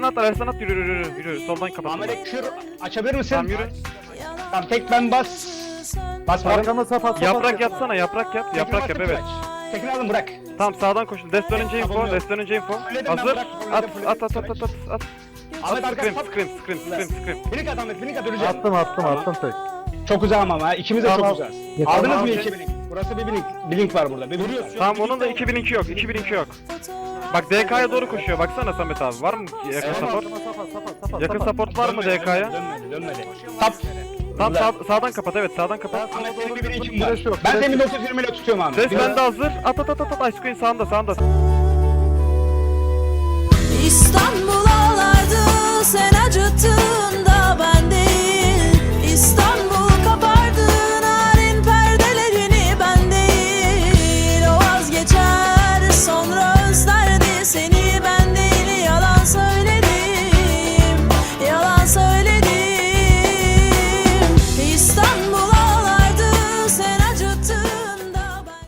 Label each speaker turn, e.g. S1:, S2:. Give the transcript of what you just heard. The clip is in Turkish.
S1: Ares'ten at, yürü. Soldan kapat.
S2: Ahmet'e kür açabilir misin?
S1: Tamam yürü.
S2: Tamam tek ben bas. Basmadım.
S3: Arkama sap.
S1: Yaprak yapsana, yaprak yap. Yaprak yap, evet.
S2: Tekini alın bırak.
S1: Tamam sağdan koşun. Dest dönünce info,
S2: Yapamıyorum.
S1: dest dönünce info.
S2: Fulledim ben,
S1: Hazır.
S2: bırak,
S1: At.
S2: fulledim. Ahmet
S1: Scream,
S2: arkadaş
S1: scream.
S2: Binik at Ahmet, binik at öleceğim.
S3: Attım tek.
S2: Çok uzağım ama ha. İkimiz de
S3: Tamam.
S2: çok uzağız.
S3: Yeter.
S2: Aldınız
S1: Tamam.
S2: mı 2000'lik? Burası bir link var burada. Bir vuruyorsun.
S1: Tamam onun da 2002 yok. 2002 yok. Bak DK'ya doğru koşuyor. Baksana Samet abi. Var mı yakın support? Yakın support var mı DK'ya?
S2: Dönmedi. Tap.
S1: Tamam sağdan kapat, evet sağdan kapat.
S2: Ahmet senin bir birikim var.
S3: Flash yok,
S2: Ben
S3: flash
S2: seni
S3: yok.
S2: 1920 ile tutuyorum Ahmet.
S1: Ses
S2: Bir-
S1: bende hazır. At. Ice Queen sağında.
S4: İstanbul